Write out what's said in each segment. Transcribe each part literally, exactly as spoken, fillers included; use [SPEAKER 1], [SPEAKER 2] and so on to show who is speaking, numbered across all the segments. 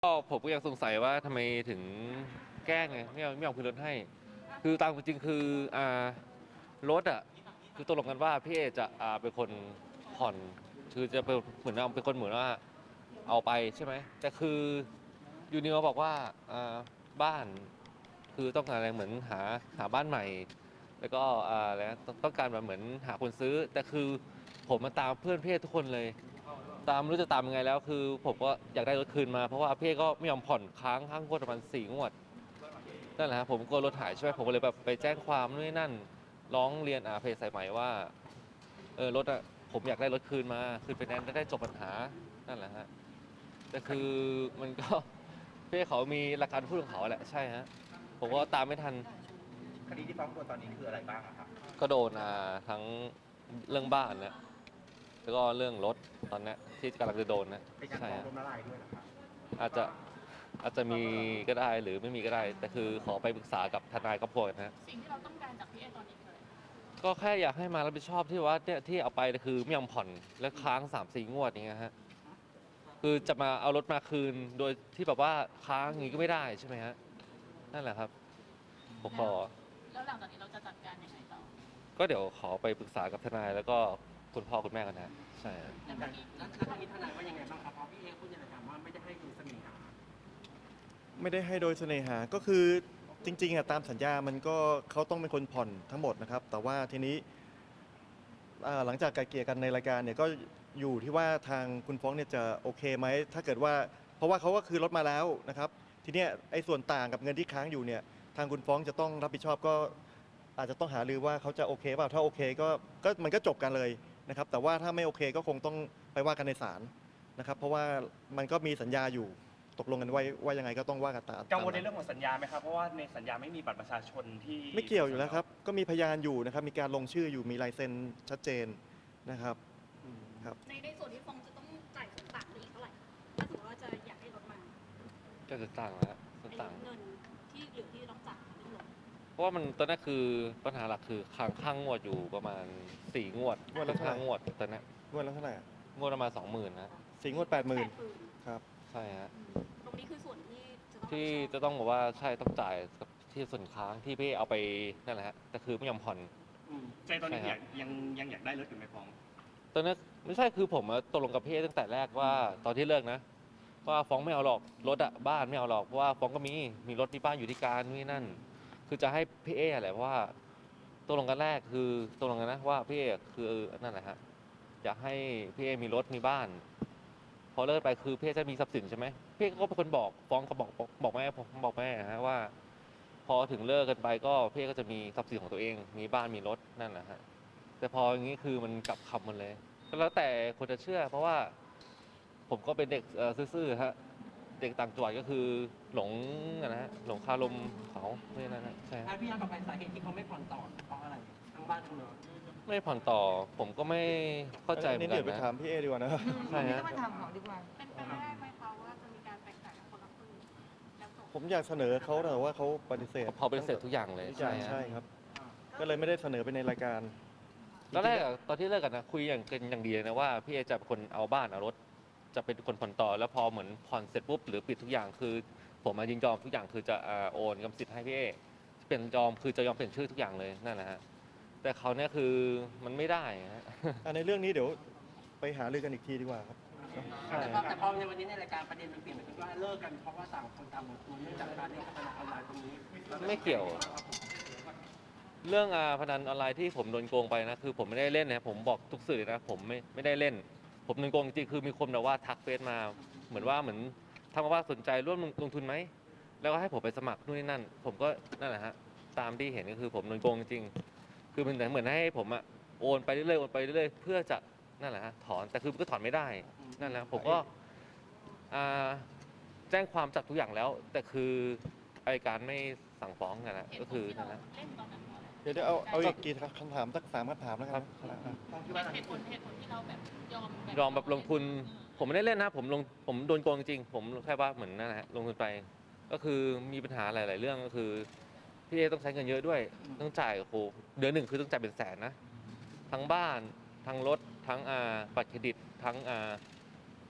[SPEAKER 1] ก็ผมก็ยังสงสัยว่าทำไมถึงแกล้งไงไม่เอาไม่เอาคืนรถให้ คือตามจริงคืออ่ารถอ่ะคือตกลงกันว่าพี่เอจะอ่าเป็นคนผ่อนคือจะเป็นเหมือนเอาเป็นคนเหมือนว่าเอาไปใช่ไหมแต่คือยูนิวบอกว่าอ่าบ้านคือต้องการอะไรเหมือนหาหาบ้านใหม่ แล้วก็อ่าแล้วต้องต้องการแบบเหมือนหาคนซื้อแต่คือผมมาตามเพื่อนพี่เอทุกคนเลย ตามไม่รู้จะตามยังไงแล้วคือผมก็อยากได้รถคืนมาเพราะว่าพี่ก็ไม่ยอมผ่อนค้างค้างงวดประมาณสี่งวดนั่นแหละครับผมกลัวรถหายใช่ไหมผมก็เลยแบบไปแจ้งความนู่นนนั่นร้องเรียนอาเพจสายไหมว่าเออรถอะผมอยากได้รถคืนมาคืนไปแนนซ์จะได้จบปัญหานั่นแหละฮะแต่คือมันก็พี่เขามีหลักการพูดของเขาแหละใช่ฮะผมก็ตามไม่ทัน
[SPEAKER 2] คดีที่ฟ้องตัวตอนนี้คืออะไรบ้างอะครับ
[SPEAKER 1] ก็โดนอ่าทั้งเรื่องบ้านนะแล้วก็เรื่องรถตอนนี้ที่กำลังจะโดนนะ
[SPEAKER 2] เป็นการ
[SPEAKER 1] ใช่
[SPEAKER 2] ฟ้อง
[SPEAKER 1] ฮะ
[SPEAKER 2] ล้มละลายด้วยเหรอครับ
[SPEAKER 1] อาจจะอาจจะมีก็ได้หรือไม่มีก็ได้ แต่คือขอไปปรึกษากับทนายครอบครัวนะฮะ
[SPEAKER 3] สิ่งที่เราต้องการจากพี่เอตอนนี้คืออะไร
[SPEAKER 1] ก็แค่อยากให้มารับผิดชอบที่ว่าเนี่ยที่เอาไปคือไม่ยอมผ่อนและค้างสามสี่งวดอย่างเงี้ยฮะคือจะมาเอารถมาคืนโดยที่แบบว่าค้างอย่างงี้ก็ไม่ได้ใช่ไหมฮะนั่นแหละครับผมขอ
[SPEAKER 3] แล้วหลังจากนี้เราจะจัดการยังไงต่อ
[SPEAKER 1] ก็เดี๋ยวขอไปปรึกษากับทนายแล้วก็คุณพ่อคุณแม่กันนะใช่
[SPEAKER 3] แล้วเมื่อกี้
[SPEAKER 4] แล้วทางนี้ทนายว่ายังไงบ้างครับเพราะพี่เอพูดในรายการว่าไม่ได้ให้โดยเสน่หา
[SPEAKER 5] ไม่ได้ให้โดยเสน่หาก็คือจริงๆอะตามสัญญามันก็เขาต้องเป็นคนผ่อนทั้งหมดนะครับแต่ว่าทีนี้อ่าหลังจากไกลเกลี่ยกันในรายการเนี่ยก็อยู่ที่ว่าทางคุณฟ้องเนี่ยจะโอเคไหมถ้าเกิดว่าเพราะว่าเขาก็คือรถมาแล้วนะครับทีเนี้ยไอ้ส่วนต่างกับเงินที่ค้างอยู่เนี่ยทางคุณฟ้องจะต้องรับผิดชอบก็อาจจะต้องหารือว่าเขาจะโอเคเปล่าถ้าโอเคก็ก็มันก็จบกันเลยนะครับแต่ว่าถ้าไม่โอเคก็คงต้องไปว่ากันในศาลนะครับเพราะว่ามันก็มีสัญญาอยู่ตกลงกันไว้ว่ายังไงก็ต้องว่ากันตาม
[SPEAKER 4] กังวลในเรื่องของสัญญาไหมครับเพราะว่าในสัญญาไม่มีบัตรประชาชนที่
[SPEAKER 5] ไม่เกี่ยวอยู่แล้วครับก็มีพยานอยู่นะครับมีการลงชื่ออยู่มีลายเซ็นชัดเจนนะครับครับ
[SPEAKER 6] ในในส่วนที่ฟองจะต้องจ่ายส่วนต่างไปอีกเท่าไหร่ถ้าสมมติว่าจะอยากให้รถมา
[SPEAKER 1] ก็จะต่างแล้วส่วน
[SPEAKER 6] ไอ้
[SPEAKER 1] ต่าง
[SPEAKER 6] เงินที่เหลือที่ต้องจ่ายเรื่องรถ
[SPEAKER 1] เพราะว่ามันตอนนี้คือปัญหาหลักคือค้างข้างงวดอยู่ประมาณสี่งวด
[SPEAKER 5] งวดละเท่าไหร่
[SPEAKER 1] ข้างงวดตอนนี้
[SPEAKER 5] งวดละเท่าไหร่อะ
[SPEAKER 1] งวดประมาณสองหมื่นนะ
[SPEAKER 5] สี่งวดแปดหมื่น
[SPEAKER 6] แปดหมื่น
[SPEAKER 5] ครับ
[SPEAKER 1] ใช่ฮะ
[SPEAKER 6] ตรงนี้คือส่วนที่จะต้อง
[SPEAKER 1] ที่
[SPEAKER 6] รับผิดชอบ
[SPEAKER 1] จะต้องบอกว่าใช่ต้องจ่ายกับที่ส่วนค้างที่พี่เอาไปนั่นแหละฮะแต่คือไม่ยอมผ่อน
[SPEAKER 4] อืมใจตอนนี้
[SPEAKER 1] ใช่ค
[SPEAKER 4] อ
[SPEAKER 1] รั
[SPEAKER 4] ยา
[SPEAKER 1] บ
[SPEAKER 4] กยังยังอยากได้รถอยู่ไหมฟ้อง
[SPEAKER 1] ตอนนั้นไม่ใช่คือผมอะตกลงกับพี่ตั้งแต่แรกว่าตอนที่เลิกนะว่าฟ้องไม่เอาหรอกรถอะบ้านไม่เอาหรอกเพราะว่าฟ้องก็มีมีรถมีบ้านอยู่ที่การนี่นั่น คือจะให้พี่เอแหละเพราะว่าตกลงกันแรกคือตกลงกันนะว่าพี่เอคือนั่นแหละฮะอยากให้พี่เอมีรถมีบ้าน พอเลิกไปคือพี่เอจะมีทรัพย์สินใช่ไหมพี่ก็เป็นคนบอกฟ้องก็บอกบอกบอกแม่ผมบอกแม่ฮะว่า พอถึงเลิกกันไปก็พี่ก็จะมีทรัพย์สินของตัวเอง มีบ้านมีรถนั่นแหละฮะแต่พออย่างนี้คือมันกลับคำหมันเลยก็แล้วแต่คนจะเชื่อ เพราะว่าผมก็เป็นเด็กเอ่อซื่อๆฮะเด็กต่างจังหวัดก็คือหลงอะนะฮะหลงคารมเขาไม่นั่นนะใช่ฮะ
[SPEAKER 4] ถ้าพี่ย้อนกลับไปสาเหตุที่เขาไม่ผ่อนต่อเพราะอะไรทั้งบ้านทั้งรถ
[SPEAKER 1] ไม่ผ่อนต่อผมก็ไม่เข้าใจเหมือน
[SPEAKER 5] นี่
[SPEAKER 1] กั
[SPEAKER 5] เดี๋ย
[SPEAKER 1] น
[SPEAKER 5] วไป
[SPEAKER 1] นะ
[SPEAKER 5] ถามพี่เอดีกว่านะ
[SPEAKER 1] ใช่ฮะ
[SPEAKER 3] ต้องมาถามของดีกว่าเป็นไปได้ไหมคะว่าจะมีการแบ่งจ่ายกับคนละครึ่งแล้วจบ
[SPEAKER 5] ผมอยากเสนอเขาแต่ว่าเขาปฏิเสธ
[SPEAKER 1] พอเป็นเสร็จทุกอย่างเลย
[SPEAKER 5] ทุกอย่าง
[SPEAKER 1] ฮะ
[SPEAKER 5] ใช่ครับ ก็เลยไม่ได้เสนอไปในรายการ
[SPEAKER 1] ตอนแรกอะตอนที่เลิกกันนะคุยอย่างกันอย่างดีเลยนะว่าพี่เอจะเป็นคนเอาบ้านเอารถจะเป็นคนผ่อนต่อแล้วพอเหมือนผ่อนเสร็จปุ๊บหรือปิดทุกอย่างคือ ผมมายินยอมทุกอย่างคือจะอ่าโอนกรรมสิทธิ์ให้พี่เอเป็นยอมคือจะยอมเปลี่ยนชื่อทุกอย่างเลยนั่นแหละฮะแต่เขาเนี่ยคือมันไม่ได้ฮะ
[SPEAKER 5] อ่ะในเรื่องนี้เดี๋ยวไปหารือกันอีกทีดีกว่าครับใช่
[SPEAKER 4] แต่พอแต่พอในวันนี้ในรายการประเด็นมันเปลี่ยนไปคือว่าเลิกกันเพราะว่าต่างคนต่างลงทุนเนื่องจากการเล่นการพนันออนไลน์ตรงนี้
[SPEAKER 1] ไม่เกี่ยว เรื่องอาพนันออนไลน์ที่ผมโดนโกงไปนะคือผมไม่ได้เล่นนะผมบอกทุกสื่อนะผมไม่ไม่ได้เล่น ผมโดนโกงจริงๆคือมีคนแบบว่าทักเฟซมา เหมือนว่าเหมือนทำมาว่าสนใจร่วมลงทุนไหมแล้วก็ให้ผมไปสมัครนู่นนี่นั่น ผมก็นั่นแหละฮะตามที่เห็นก็คือผมโดนโกงจริงๆคือมันเหมือนให้ผมอะโอนไปเรื่อยๆโอนไปเรื่อยๆเพื่อจะนั่นแหละฮะถอนแต่คือมันก็ถอนไม่ได้นั่นแหละผมก็อ่าแจ้งความจับทุกอย่างแล้ว แต่คืออัยการไม่สั่งฟ้องกันนะ
[SPEAKER 3] เหตุ
[SPEAKER 1] ก็
[SPEAKER 3] ผ
[SPEAKER 1] คื
[SPEAKER 3] ล
[SPEAKER 1] อ
[SPEAKER 3] ที่เรา
[SPEAKER 1] นั่นแหละ
[SPEAKER 3] เล่นตอนนั้นเพราะอะไร
[SPEAKER 5] เดี๋ยวเดี๋ยวเอาเอาอีกกี่คำถามสักสามคำถามแล้วกันนะ
[SPEAKER 3] เหตุผลเหตุผลที่เราแบบยอม
[SPEAKER 1] ยอมแบบลงทุน ผมไม่ได้เล่นนะผมลงผมโดนโกงจริงๆผมแค่ว่าเหมือนนั่นแหละฮะลงทุนไป ก็คือมีปัญหาหลาย ๆ เรื่องก็คือพี่เอต้องใช้เงินเยอะด้วยต้องจ่ายโอ้โหเดือนหนึ่งคือต้องจ่ายเป็นแสนนะทั้งบ้านทั้งรถทั้งอ่าบัตรเครดิตทั้งอ่า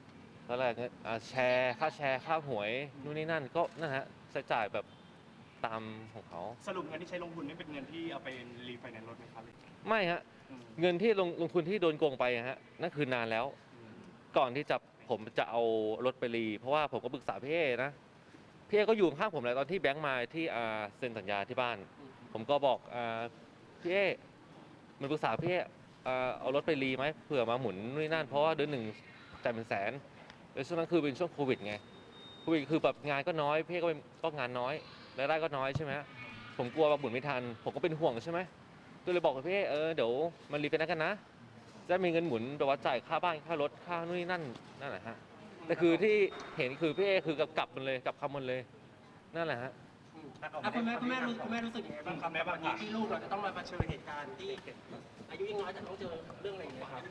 [SPEAKER 1] ก็แรกเงินอ่าแชร์ค่าแชร์ค่าหวยนู่นนี่นั่นก็นั่นฮะใช้จ่ายแบบตามของเขา
[SPEAKER 7] สรุปเงินที่ใช้ลงทุนนี่เป็นเงินที่เอาไปรีไฟแนนซ์รถไหมครับ
[SPEAKER 1] ไม่ฮะเงินที่ลงลงทุนที่โดนโกงไปอะฮะนั่นคือนานแล้ว ก่อนที่จะผมจะเอารถไปรีเพราะว่าผมก็ปรึกษาพี่เอนะพี่เอก็อยู่ข้างผมแหละตอนที่แบงค์มาที่อ่าเซ็นสัญญาที่บ้าน ผมก็บอกอ่าพี่เอมันปรึกษาพี่เออ่าเอารถไปรีไหมเผื่อมาหมุนนู่นนนั่นเพราะว่าเดือนหนึ่งจ่ายเป็นแสนแล้วช่วงนั้นคือเป็นช่วงโควิดไงโควิดคือแบบงานก็น้อยพี่เอก็เป็นก็งานน้อยรายได้ก็น้อยใช่ไหมผมกลัวว่าหมุนไม่ทันผมก็เป็นห่วงใช่ไหมก็เลยบอกกับพี่เอเออเดี๋ยวมันรีไปนันกันนะจะมีเงินหมุนแบบว่าจ่ายค่าบ้านค่ารถค่านู่นนี่นั่นนั่นแหละฮะแต่คือที่เห็นคือพี่เอคือกลับมันเลยกลับคำมันเลยนั่นแหละฮะ
[SPEAKER 4] อ่ะคุณแม่คุณแม่รู้คุณแม่รู้สึกยังไงบ้างครับวันนี้ที่ลูกเราจะต้องมาเผชิญเหตุการณ์ที่อายุยังน้อยแต่ต้องเจอเรื่องอะไรอย่างเงี้ยครับ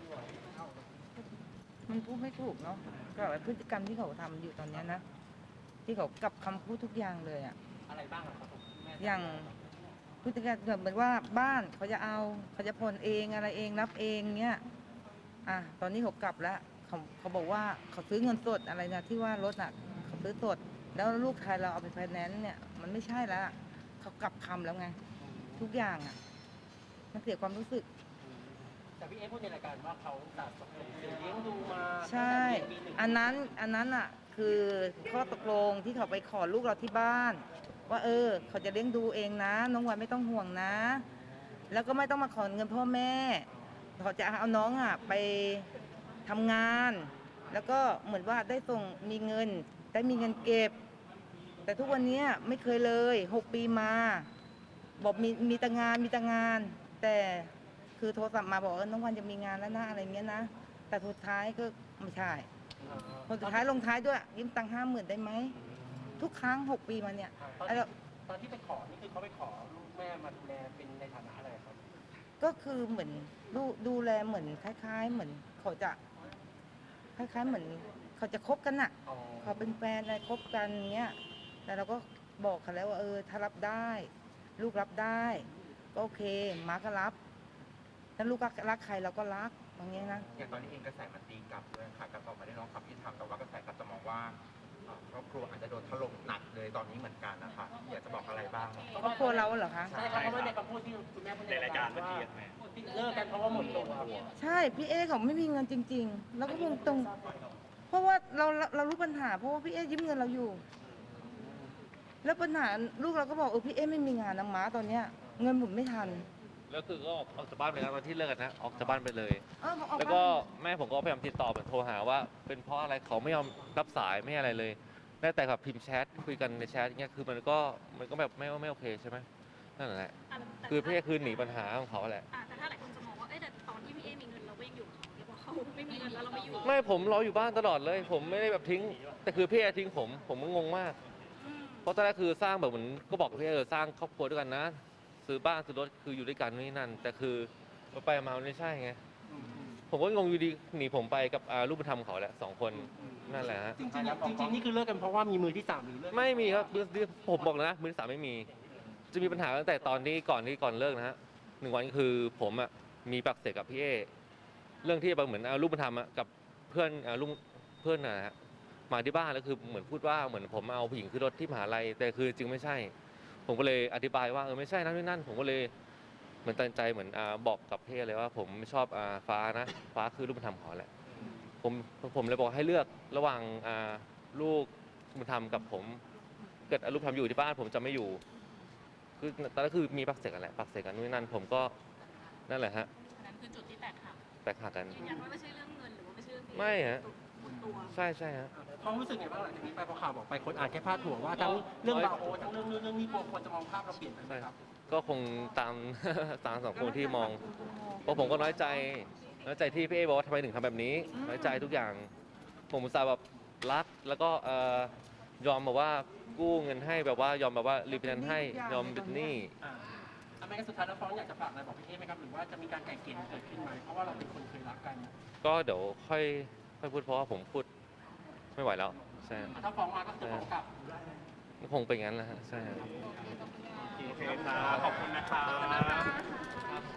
[SPEAKER 8] มันพูดไม่ถูกเนาะกับพฤติกรรมที่เขาทำอยู่ตอนเนี้ยนะที่เขากลับคำพูดทุกอย่างเลยอะ
[SPEAKER 4] อะไรบ้างอะครับผมแม่
[SPEAKER 8] อย่างพฤติกรรมแบบเหมือนว่าบ้านเขาจะเอาเขาจะผ่อนเองอะไรเองรับเองเนี้ยอ่ะตอนนี้เขากลับแล้วเขาเขาบอกว่าเขาซื้อเงินสดอะไรนะที่ว่ารถอ่ะเขาซื้อสดแล้วลูกชายเราเอาไปไฟแนนซ์เนี่ยมันไม่ใช่แล้วเขากลับคำแล้วไงทุกอย่างอ่ะมันเสียความรู้สึก
[SPEAKER 4] แต่พี่เอ๊พูดในรายการว่าเขาสะสมเสียเลี้ยงดูมา
[SPEAKER 8] ใช่
[SPEAKER 4] ตั้งแต่ปีหนึ่ง
[SPEAKER 8] อันนั้นอันนั้นอ่ะคือข้อตกลงที่เขาไปขอลูกเราที่บ้าน ว่าเออเขาจะเลี้ยงดูเองนะน้องวันไม่ต้องห่วงนะ แล้วก็ไม่ต้องมาขอเงินพ่อแม่เขาจะเอาน้องอ่ะไปทำงาน แล้วก็เหมือนว่าได้ส่งมีเงินได้มีเงินเก็บ แต่ทุกวันนี้ไม่เคยเลยหกปีมาบอกมีมีแต่งานมีแต่งาน แต่คือโทรศัพท์มาบอกว่าน้องวันจะมีงานแล้วนะอะไรเงี้ยนะแต่สุดท้ายก็ไม่ใช่คนสุดท้ายลงท้ายด้วยยืมตังค์ห้าหมื่นได้ไหมทุกครั้งหกปีมาเนี่ย
[SPEAKER 4] ตอน
[SPEAKER 8] ไอ้เรา
[SPEAKER 4] ตอนที่ไปขอนี่คือเขาไปขอลูกแม่มาดูแลเป็นในฐานะอะไรครับ
[SPEAKER 8] ก็คือเหมือนดูดูแลเหมือนคล้าย ๆ เหมือนเขาจะคล้าย ๆ เหมือนเขาจะคบกันน่ะ
[SPEAKER 4] อ๋อ
[SPEAKER 8] เขาเป็นแฟนอะไรคบกันเงี้ยแต่เราก็บอกเขาแล้วว่าเออถ้ารับได้ ลูกรับได้ก็โอเคมาก็รับถ้าลูกรักใครเราก็รักอย่างเงี้ยนะ
[SPEAKER 2] อย่างตอนนี้เองกระแสมันตีกลับด้วยค่ะกระต่อมาได้ร้องความยุติธรรมแต่ว่ากระแสกลับจะมองว่าเอ่อครอบครัวอาจจะโดนถล่มหนักเลยตอนนี้เหมือนกันนะคะอยากจะบอกอะไรบ้าง
[SPEAKER 8] ครอบครัวเราเหรอคะ
[SPEAKER 4] ใช่ครับเพราะว่าในคำพูดที่คุณแม่พูดในรายการว่าเลิกกันเพราะว่าหมดตัว
[SPEAKER 8] ใช่พี่เอเขาไม่มีเงินจริง ๆ แล้วก็คงตรงเพราะว่าเราเรารู้ปัญหาเพราะว่าพี่เอยืมเงินเราอยู่ แล้วปัญหาลูกเราก็บอกเออพี่เอไม่มีงานนะม้าตอนเนี้ยเงินหมุนไม่ทัน
[SPEAKER 1] แล้วคือก็ออกออกจากบ้านไปแล้วตอนที่เลิกกันนะออกจากบ้านไปเลย
[SPEAKER 8] เออบอกออก
[SPEAKER 1] แล้ว
[SPEAKER 8] บ้าน
[SPEAKER 1] ก็แม่ผมก็พยายามติดต่อแบบโทรหาว่า เป็นเพราะอะไรเขาไม่ยอมรับสายไม่อะไรเลยได้แต่แบบพิมพ์แชทคุยกันในแชทเงี้ยคือมันก็มันก็แบบไม่ไม่โอเคใช่ไหมนั่นแหละ
[SPEAKER 3] อ่ะแต่
[SPEAKER 1] คือพี่คือหนีปัญหาของเขาแหละ
[SPEAKER 3] อ่ะแต่ถ้าหลายคนจะมองว่าเอ้ยแต่ตอนที่พี่เอมีเงินเราก็ยังอยู่กับเขาแล้วพอเขาไม่มีเงินแล้วเราไม่อยู่
[SPEAKER 1] ไม่ผมรออยู่บ้านตลอดเลย ผมไม่ได้แบบทิ้ง แต่คือพี่ทิ้งผมผมก็งงมาก
[SPEAKER 3] อืม
[SPEAKER 1] เพราะตอนแรกคือสร้างแบบเหมือนก็บอกกับพี่เออสร้างครอบครัวด้วยกันนะ ซื้อบ้านซื้อรถคืออยู่ด้วยกันนี่นั่น แต่คือไปมามันไม่ใช่ไงผมก็งงอยู่ดีหนีผมไปกับอ่าลูกบุญธรรมเขาแหละสองคนนั่นแหละฮะ
[SPEAKER 4] จริงๆจริงๆนี่คือเลิกกันเพราะว่ามีมือที่สามหรือเลิก
[SPEAKER 1] ไม่มีครับมือผมบอกเลยนะมือที่สามไม่มี จะมีปัญหาตั้งแต่ตอนที่ก่อนที่ก่อนเลิกนะฮะหนึ่งวันคือผมอ่ะมีปากเสียงกับพี่เอเรื่องที่แบบเหมือนเอาลูกบุญธรรมอะกับเพื่อนเอาลูกเพื่อนนะฮะมาที่บ้านแล้วคือเหมือนพูดว่าเหมือนผมเอาผู้หญิงขึ้นรถที่มหาลัยแต่คือจริงไม่ใช่ ผมก็เลยอธิบายว่าเออไม่ใช่นะนี่นั่นผมก็เลยเหมือนตัดใจเหมือนอ่าบอกกับพี่เลยว่าผมไม่ชอบอ่าฟ้านะฟ้าคือลูกบุญธรรมเขาแหละผมผมเลยบอกให้เลือกระหว่างอ่าลูกบุญธรรมกับผมเกิดลูกบุญธรรมอยู่ที่บ้านผมจะไม่อยู่คือตอนนั้นคือมีปากเสียงกันแหละปากเสียงกันนู่นนนั่นผมก็นั่นแหละฮะ
[SPEAKER 3] อันนั้นคือจุดที่แตกหัก
[SPEAKER 1] แตกหักกัน
[SPEAKER 3] ยืนยันว่าไม่ใช่เรื่องเงินหรือว่าไม่ใช่เรื่อง
[SPEAKER 1] ไม่ฮะ
[SPEAKER 3] ตัว
[SPEAKER 1] ใช่ใช่ฮะ
[SPEAKER 4] เขารู้สึกไงบ้างหลังจากนี้ไปพอข่าวบอกไปคนอ่านแค่พาดหัวว่าทั้งเรื่องบาโอทั้งเรื่องนู้นเรื่องนี้กลัวคนจะมองภาพเราเปลี่ยนไปไหมครับ
[SPEAKER 1] ก็คงตาม ตามสังคมที่มองเพราะผมก็น้อยใจน้อยใจที่พี่เอบอกว่าทำไมถึงทำแบบนี้ น้อยใจทุกอย่าง ผมอุตส่าห์แบบรักแล้วก็เอ่อยอมแบบว่ากู้เงินให้แบบว่ายอมแบบว่ารีบนันให้ยอมเป็นหนี้
[SPEAKER 4] อ่าทำไมกันสุดท้ายแล้วฟ้องอยากจะฝากอะไรบอกพี่เอ๊ไหมครับหรือว่าจะมีการไกล่เกลี่ยเกิดขึ้นไหมเพราะว่าเราเป็นคนเคยรักกัน
[SPEAKER 1] ก็เดี๋ยวค่อยค่อยพูดเพราะว่าผมพูดไม่ไหวแล้วใช่
[SPEAKER 4] ถ้าฟ้องมาก็คือฟ้องกลับ
[SPEAKER 1] คงเป็นงั้นแหละฮะใช่ครับ
[SPEAKER 7] โอเคครับขอบคุณนะครับ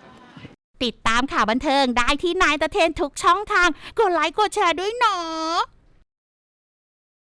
[SPEAKER 9] ติดตามข่าวบันเทิงได้ที่นายตะเทนทุกช่องทาง กดไลค์กดแชร์ด้วยเนาะ